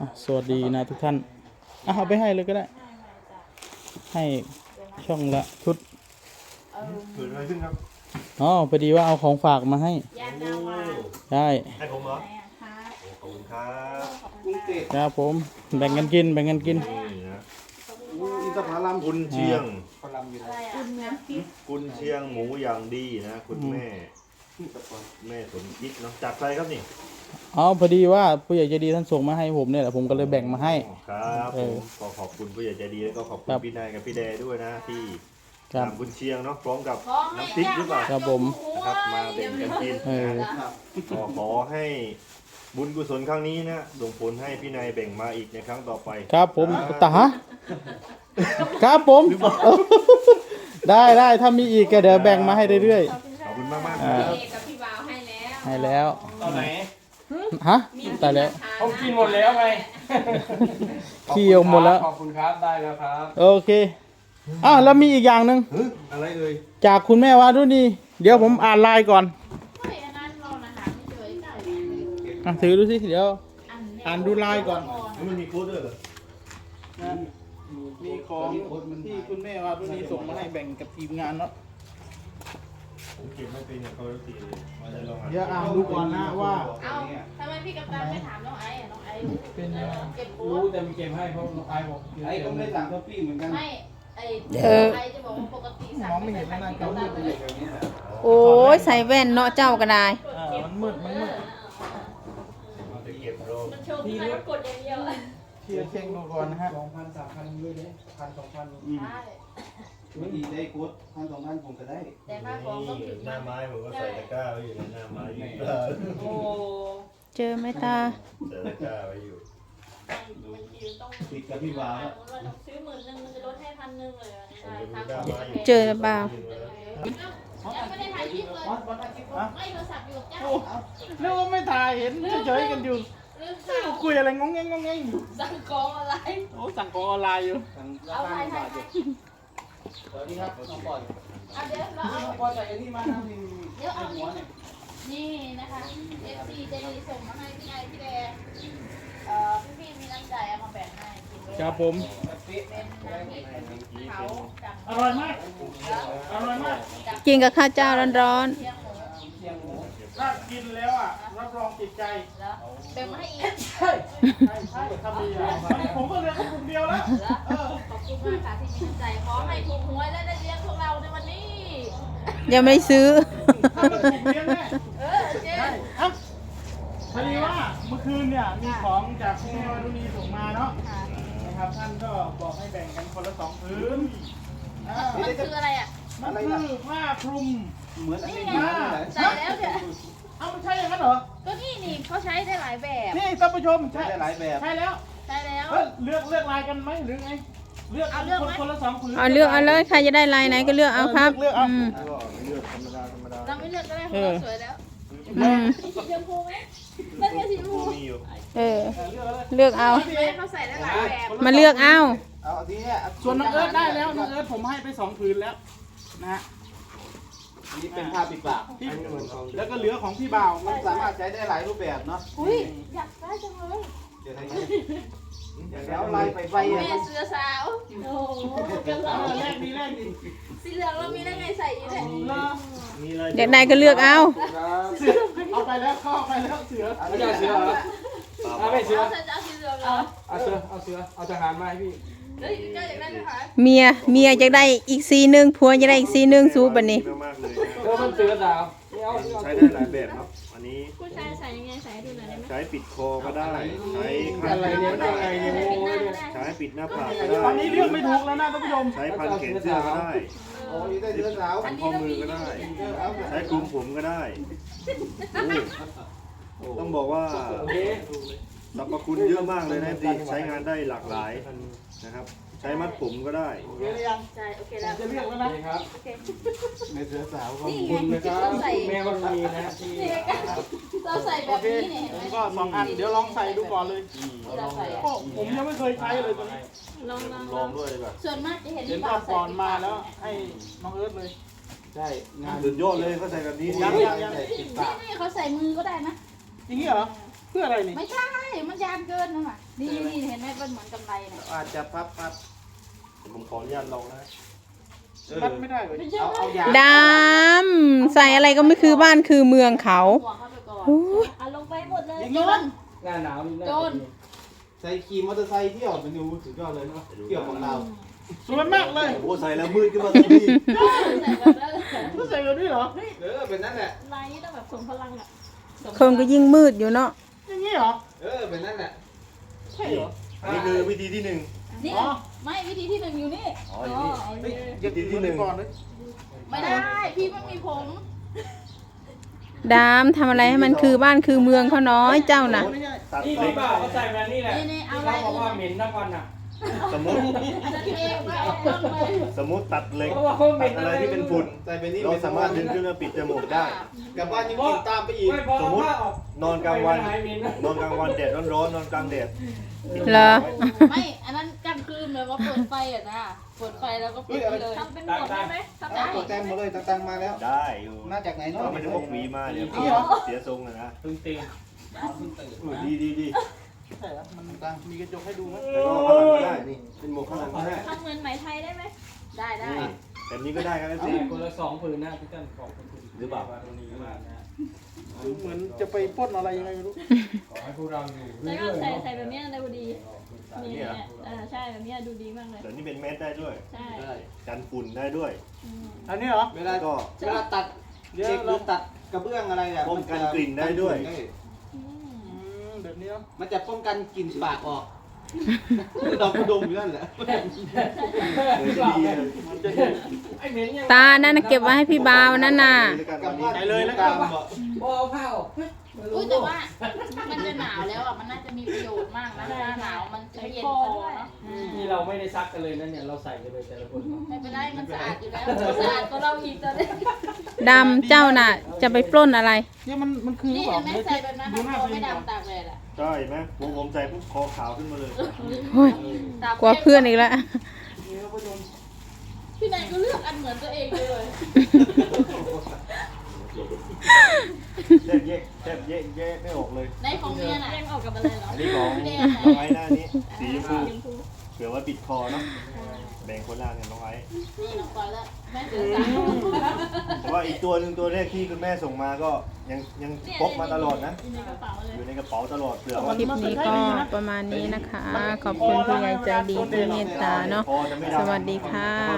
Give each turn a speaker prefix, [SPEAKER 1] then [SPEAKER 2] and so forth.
[SPEAKER 1] สวัสดีนะทุกท่านเอาไปให้เลยก็ได้ให้ช่องละชุด
[SPEAKER 2] เกิดอะไรขึ้นครับ
[SPEAKER 1] อ๋อพอดีว่าเอาของฝากมาให้ได้
[SPEAKER 2] ให้ผมเหรอขอบคุณครับ
[SPEAKER 1] ครับผมแบ่งกันกินนี่นะ
[SPEAKER 2] อินทผลัมกุนเชียงกุนเชียงหมูอย่างดีนะคุณแม่สมคิดเนาะจากใครครับนี่
[SPEAKER 1] อ๋อพอดีว่าผู้ใหญ่ใจดีท่านส่งมาให้ผมเนี่ยแหละผมก็เลยแบ่งมาให้
[SPEAKER 2] ครับผมก็ขอบคุณผู้ใหญ่ใจดีแล้วก็ขอบคุณพี่นายกับพี่แดด้วยนะที่ทำกุนเชียงเนาะพร้อมกับน้ำพริกหรือเปล่า
[SPEAKER 1] ครับผม
[SPEAKER 2] นะครับมาแบ่งกันกินก็ขอให้บุญกุศลครั้งนี้นะส่งผลให้พี่นายแบ่งมาอีกในครั้งต่อไป
[SPEAKER 1] ครับผมตาครับผมได้ถ้ามีอีกก็เดี๋ยวแบ่งมาให้เรื่อย
[SPEAKER 2] ๆขอบคุณมาก
[SPEAKER 3] กับพี่บ่าว
[SPEAKER 1] ให้แล้ว
[SPEAKER 4] ตอนไหน
[SPEAKER 1] ฮะตายแล้ว
[SPEAKER 4] ผมกินหมดแล้วไง
[SPEAKER 1] ขี้ออกหมดแล้ว
[SPEAKER 4] ขอบคุณครับได้แล้วครับ
[SPEAKER 1] โอเคแล้วมีอีกอย่างหนึ่ง
[SPEAKER 2] อะไรเอ่ย
[SPEAKER 1] จากคุณแม่วารุณีเดี๋ยวผมอ่านไลน์ก่อนถือดูสิเดี๋ยวอ่านดูไลน์ก่อน
[SPEAKER 2] มันมีโค้ดด้วยเหรอ
[SPEAKER 1] มีของที่คุณแม่วารุณีส่งมาให้แบ่งกับทีมงานเนาะ
[SPEAKER 2] ผมเก็บไม่เป็นเนี่ยเขาตีมาจะลอง
[SPEAKER 1] เดี๋ยวอ่านดูก่อนนะว่า
[SPEAKER 3] ทำไมพี่กัปตันไม่ถามน้องไอ้น้องไอ้
[SPEAKER 1] เป็นยังไง
[SPEAKER 3] เก็บโค้
[SPEAKER 4] รู้
[SPEAKER 3] ด
[SPEAKER 4] แต่มีเก็บให้เพราะน้องไอ้บอก
[SPEAKER 5] ไอ้ก็ไม่สั่งท็อปปี้เหมือนกัน
[SPEAKER 3] ไม่ไอ้จะบอกว่าปกติสั่งไม่ได้พี่กัปตันเลย
[SPEAKER 6] โอ้ยใส่แว่นเนาะเจ้าก็ได้
[SPEAKER 1] มันมืด
[SPEAKER 2] จะเก็บโรค
[SPEAKER 3] มันโชว์ที่มันกดอย่างเดียว
[SPEAKER 1] เช็คดูก่อนนะฮะ
[SPEAKER 4] 2,000 3,000ด้วยเนี่ย1,000 2,000
[SPEAKER 3] ใช่
[SPEAKER 5] ไม่ดีได้โค้ด1,000 2,000ผมก็ได้
[SPEAKER 3] แต่ค่าของต้องถึง
[SPEAKER 2] หน้าไม้ผมก็ใส่ตะกร้าไว้อยู่ในหน้าไม้อยู่
[SPEAKER 3] โอ้
[SPEAKER 6] เจอไหมตา
[SPEAKER 2] ใส่ตะกร้าไว้อยู่
[SPEAKER 5] ติดกับพี่บ่าว
[SPEAKER 3] ซื้อ10,000มันจะลดให้1,000เลย
[SPEAKER 6] เจอเปล่า
[SPEAKER 3] ยังไม่ได้ถ่ายคลิปเลยไม่โทรศัพท์อยู่กับเจ้า
[SPEAKER 1] นึกว่าไม่ถ่ายเห็นเฉยๆกันอยู่คุยอะไรงงแงง
[SPEAKER 3] สั่งของอะไร
[SPEAKER 1] โอ้สั่งของออนไลน์อยู่
[SPEAKER 3] เอาไป
[SPEAKER 5] สวัสดีครับน้องปอย
[SPEAKER 3] เดี๋ยวเราเอา
[SPEAKER 5] ปอยใส่อันนี้มาทำนี่
[SPEAKER 3] เดี๋ยวเอานี่นะคะ FC จะดีส่งมาให้พี่นายพี่แดงพี่มีน้ำใจเอามาแบ่งให้กิน
[SPEAKER 1] ครับผม
[SPEAKER 3] เป็นน้ำพริกเขา
[SPEAKER 1] อร่อยมาก
[SPEAKER 6] กินกับข้าวเจ้าร้อน
[SPEAKER 1] ถ้ากินแล้วรับรองติดใจ
[SPEAKER 3] แบ่งมาให้อีก
[SPEAKER 1] ใช่ทำดีผมก็เหลือแค่คนเดียวแล้ว
[SPEAKER 3] ขอบคุณมากค่ะที่มีน้ำใจขอให้ถูกหวยและได้เลี้ยงพวกเราในวันนี้
[SPEAKER 6] ยังไม่ซื้อ
[SPEAKER 3] เจ๊
[SPEAKER 1] พอดีว่าเมื่อคืนเนี่ยมีของจากคุณแม่วารุณีส่งมาเนาะนะครับท่านก็บอกให้แบ่งกันคนละ2 ผืน
[SPEAKER 3] มันคืออะไร
[SPEAKER 1] มันคือผ้าคลุม
[SPEAKER 5] เหมือนอันนี้
[SPEAKER 3] ใส่แล้วเนี่ย
[SPEAKER 1] มันใช่อย่างนั้นเหรอ
[SPEAKER 3] ก็นี่เขาใช้ได้หลายแบบ
[SPEAKER 1] นี่ท่านผู้ชม
[SPEAKER 5] ใช้ได้หลายแบบ
[SPEAKER 1] ใช่แล้วเลือกลายกันไหมหรือไงเลือกคนละ2 ผืน
[SPEAKER 6] เอาเลือกเอาเลยใครจะได้ลายไหนก็เลือกเอาครับ
[SPEAKER 2] เลือกธรรมดา
[SPEAKER 3] เราไม่เลือกก็ได้เพราะเราสวยแล้วสีชมพูไหมเลือกสีชมพู
[SPEAKER 6] เลือกเอา
[SPEAKER 3] เขาใส่ได้หลายแบบ
[SPEAKER 6] มาเลือกเอา
[SPEAKER 5] ทีนี้
[SPEAKER 1] ส่วนน้องเอิร์ธได้แล้วน้องเอิร์ธผมให้ไป2 ผืนแล้วนะฮะ
[SPEAKER 5] นี่เป็นผ้าปิดปาก
[SPEAKER 1] แล้วก็เหลือของพี่บ่าว
[SPEAKER 5] มันสามารถใช้ได้หลายรูปแบบเนาะ
[SPEAKER 3] อุ้ยอยากได้จังเลย
[SPEAKER 5] เดี๋ยวลายไป
[SPEAKER 3] แม่เสือสาวโอ้
[SPEAKER 1] แรกดี
[SPEAKER 3] สีเหลืองเรามีได้ไงใส่อยู่เนี่ย
[SPEAKER 6] เด็กใดก็เลือกเอา
[SPEAKER 1] เอาไปแล้วเข้าไปแล้วเสือ
[SPEAKER 4] ไม่ใช่เสือเหรอไม่เสือ
[SPEAKER 3] เอาสีเหลืองเหรอ
[SPEAKER 4] เอาเสือเอาทหารมาให้พี่
[SPEAKER 6] เมียจะได้อีกสีนึงผัวจะได้อีกสีนึงสู้บัดนี้
[SPEAKER 4] มันเสือสาว
[SPEAKER 2] ใช้ได้หลายแบบครับอันนี้
[SPEAKER 3] ผู้ชายใส่ยังไงใส่ดูหน่อยได้ไหม
[SPEAKER 2] ใช้ปิดคอก็ได้ใช้ขันก็ได้ใช้ปิดหน้าผากก็ได้
[SPEAKER 1] ตอนนี้เลือกไม่ถูกแล้วนะท่านผู้ชม
[SPEAKER 2] ใช้พันแขนเสื้อก็ได้พันข้อมือก็ได้ใช้คลุมผมก็ได้ต้องบอกว่าสรรพคุณเยอะมากเลยนะที่ใช้งานได้หลากหลายนะครับใช้มัดผมก็ได้
[SPEAKER 3] ใช่โอเคแล้ว
[SPEAKER 1] จะเลือกแล้วนะครับ
[SPEAKER 5] ในเสือสาวก็
[SPEAKER 4] คุณนะครับแม่ก็มีนะที่
[SPEAKER 3] เราใส่แบบนี้เนี่ย
[SPEAKER 1] ผมก็2 อันเดี๋ยวลองใส่ดูก่อนเลยผมยังไม่เคยใช้เลยตัวนี้
[SPEAKER 2] ลองด้วยแบบ
[SPEAKER 3] ส่วนมากจะเห็น
[SPEAKER 1] ก็ก่อนมาแล้วให้น้องเอิร์ธเลย
[SPEAKER 5] ใช่
[SPEAKER 2] งานสุดยอดเลยเขาใส่แบบนี้
[SPEAKER 3] นี่เขาใส่มือก็ได้นะ
[SPEAKER 1] จริงเหรอเพื่ออะไรนี่
[SPEAKER 3] ไม่ใช่ มันยานเกินนะนี่นี่เห็นไหมเป็นเหมือนกำไรเนี่ย
[SPEAKER 5] อาจจะพับ
[SPEAKER 2] ผมขออนุญาตลองนะ
[SPEAKER 1] รัดไม่ได้เลย
[SPEAKER 3] ไม่ใช่
[SPEAKER 5] เอายา
[SPEAKER 6] ดำใส่อะไรก็ไม่คือบ้านคือเมืองเขา
[SPEAKER 3] หัวเข้าไปก่อน
[SPEAKER 6] โอ้ย
[SPEAKER 3] เอาลงไปหมดเลย
[SPEAKER 1] อย่าง
[SPEAKER 3] โย
[SPEAKER 1] นี้นะ
[SPEAKER 3] น
[SPEAKER 4] หน้าหนาวนี่น่า
[SPEAKER 3] โจ
[SPEAKER 4] จะ
[SPEAKER 3] ร
[SPEAKER 4] ดี
[SPEAKER 5] ใส่ขี่มอเตอร์ไซค์เที่ยวมันดูสุดยอดเลยเนาะเที่ยวของเรา
[SPEAKER 1] สวยมากเลย
[SPEAKER 2] โอ้ใส่แล้วมืดขึ้นมาทันที
[SPEAKER 3] ใส่แบบนั้นเลย
[SPEAKER 1] ก็ใส่กันด้วยเหรอ
[SPEAKER 5] เป็นนั่นแหละ
[SPEAKER 3] ลายนี้ต้องแบบส่งพลังอ่ะ
[SPEAKER 6] คนก็ยิ่งมืดอยู่เนาะ
[SPEAKER 1] อย่างนี้เหรอ
[SPEAKER 5] เป็นนั่นแหละ
[SPEAKER 1] ใช่เหรอ
[SPEAKER 2] อันนี้คือวิธีที่หนึ่ง
[SPEAKER 3] นี่
[SPEAKER 1] อ๋อ
[SPEAKER 3] ไม่วิธีที่หนึ่งอยู่นี่
[SPEAKER 2] อ๋ออยู่นี่
[SPEAKER 3] โอเค
[SPEAKER 1] อย่าติดมือก่อนเลย
[SPEAKER 3] ไม่ได้ พี่ไม่มีผม
[SPEAKER 6] ดำทำอะไรให้มันคือบ้านคือเมืองเขาน้อยเจ้าน่ะ
[SPEAKER 2] ตัด
[SPEAKER 4] นี่
[SPEAKER 2] เล็
[SPEAKER 4] พี่
[SPEAKER 2] ก
[SPEAKER 4] บ่าวเขาใส่แบบนี้แหละ
[SPEAKER 3] นี่ๆเอา
[SPEAKER 4] ที่
[SPEAKER 3] ไว้
[SPEAKER 4] เขาบอกว่าเหม็นทั้งวันอ่ะ
[SPEAKER 2] สมมติ
[SPEAKER 3] จะเทไม่เอาต้องเลย
[SPEAKER 2] สมมติตัดเหล็ก
[SPEAKER 4] เพราะว่าเขาเหม็
[SPEAKER 2] ตั
[SPEAKER 4] น
[SPEAKER 2] ดอะไรที่เป็นฝุ่น
[SPEAKER 5] ใส่ไปนี่
[SPEAKER 2] เราสามารถดึงขึ้นมาปิดจมูกได้
[SPEAKER 5] กลับบ้านยังกินตามไปอีก
[SPEAKER 4] ไม่พอ
[SPEAKER 2] สมมุติ
[SPEAKER 4] ผ้าออก
[SPEAKER 2] นอนกลางวัน
[SPEAKER 4] ไม่หายเหม็นนะ
[SPEAKER 2] นอนกลางวันแดดร้อนๆนอนกลางแดด
[SPEAKER 6] เหรอ
[SPEAKER 3] ไม่ อันนั้นกลางคืนเลยว่าเปิดไฟอ่ะนะเปิดไฟแล้วก็ปิดไปเลยทำเป็นหมดได้ไหมทำได้
[SPEAKER 5] ตัวแต้มมาเลยตังมาแล้ว
[SPEAKER 2] ได้อยู่
[SPEAKER 5] มาจากไหนเนาะ
[SPEAKER 2] เราไม่ได้พกหวีมาเดี๋ยวเสียทรงนะ
[SPEAKER 4] ตึงตีน
[SPEAKER 2] ดี
[SPEAKER 1] ใช่เหรอมันมีกระจกให้ดูไหม
[SPEAKER 2] แล้วก็ข้างหลังก็ได้นี่เป็นหมวกข้างหลังก็ได้
[SPEAKER 3] ทำเหมือนไหมไทยได้ไหมได้ได้
[SPEAKER 2] นี่แบบนี้ก็ได้ครับ
[SPEAKER 4] แต่
[SPEAKER 2] สิ
[SPEAKER 4] คนละ2 ผืนนะพี่เต้นขอบคุณ
[SPEAKER 2] หรือเปล่า
[SPEAKER 4] ตรงนี้มากนะ
[SPEAKER 1] ดูเหมือนจะไปปล้นอะไรยังไงไม่รู้
[SPEAKER 4] ขอให้พวกเราอยู่
[SPEAKER 3] แล้วก็
[SPEAKER 4] เรื่อยๆ
[SPEAKER 3] ใส่แบบนี้ดูดีนี่เนี่ยใช่แบบนี้ดูดีมากเลย
[SPEAKER 2] เดี๋ยวนี้เป็นแมสได้ด้วย
[SPEAKER 3] ใช่
[SPEAKER 2] กันฝุ่นได้ด้วย
[SPEAKER 1] อันนี้เหรอ
[SPEAKER 5] เวลา
[SPEAKER 2] ก็
[SPEAKER 5] ตัดเช็คหรือตัดกระเบื้องอะไรอ่ะ
[SPEAKER 2] ป้องกันกลิ่นได้ด้วย
[SPEAKER 1] แบบนี้เนาะ
[SPEAKER 5] มันจะป้องกันกลิ่นปากออกดอกกระดมอยู่นั่นแหละ
[SPEAKER 2] เดี๋ยวจะดีเลย
[SPEAKER 1] มันจะ
[SPEAKER 4] ไอ้เหม็นยัง
[SPEAKER 6] ตานั่นน่ะเก็บไว้ให้พี่บาวนั่นน่ะ
[SPEAKER 5] กลับบ้าน
[SPEAKER 1] ไปเลยแล้ว
[SPEAKER 5] ตา
[SPEAKER 1] กัน
[SPEAKER 5] มบ่
[SPEAKER 4] พอเอาผ้าออก
[SPEAKER 3] อุ้ยแต่ว่ามันจะหนาวแล้วอ่ะมันน่าจะมีประโยชน์มากนะหน้าหนาวมันจะเย็นคอเนาะ
[SPEAKER 4] นี่เราไม่ได้ซักกันเลยนะเนี่ยเราใส่กันเลยแต่ละคน
[SPEAKER 3] ไม่เป็นไรมันสะอาดอยู่แล้วสะอาดก็เราอีกตอนนี้
[SPEAKER 6] ดำเจ้าน่ะ จะไปปล้นอะไร
[SPEAKER 1] นี่มันคือ
[SPEAKER 3] นี่
[SPEAKER 1] เปล่า
[SPEAKER 3] เห็นไหมใส่แบบนั้น
[SPEAKER 1] ดูหน้า
[SPEAKER 3] คอ
[SPEAKER 1] ตัวเอ
[SPEAKER 3] ไม่
[SPEAKER 1] งก่อน
[SPEAKER 3] ดำตากแดดอ่ะ
[SPEAKER 2] ใช่ไหมผมใส่ปุ๊บคอขาวขึ้นมาเลย
[SPEAKER 6] โอ้ยกลัวเพื่อนอีกแล้ว
[SPEAKER 1] นี่ก็โดน
[SPEAKER 3] พี่นายก็เลือกอันเหมือนตัวเองเลย
[SPEAKER 2] แทบแยกไม่ออกเลย
[SPEAKER 3] ในของเมียน่ะยังออกกับอะไรเหรอ
[SPEAKER 2] อันนี้ของ
[SPEAKER 3] พี่แดง
[SPEAKER 2] น้องไอ้หน้านี้สีชมพู
[SPEAKER 3] ชมพู
[SPEAKER 2] เผื่อว่าปิดคอเนาะแบ่งคนละกันน้องไอ้
[SPEAKER 3] นี่น้องปอยแล้วแม่เสือสาว
[SPEAKER 2] แต่ว่าอีกตัวหนึ่งตัวแรกที่คุณแม่ส่งมาก็ยังพกมาตลอดนะ
[SPEAKER 3] อยู่ในกระเป๋าเลย
[SPEAKER 2] อยู่ในกระเป๋าตลอดเผื่อ
[SPEAKER 6] ค
[SPEAKER 2] ว่า
[SPEAKER 6] ลิปนี้ก็ประมาณนี้นะคะ ขอบคุณผู้ใหญ่ใจดีที่เมตตาเนาะ
[SPEAKER 2] คอจะไม่ดำ
[SPEAKER 6] สวัสดีค่ะ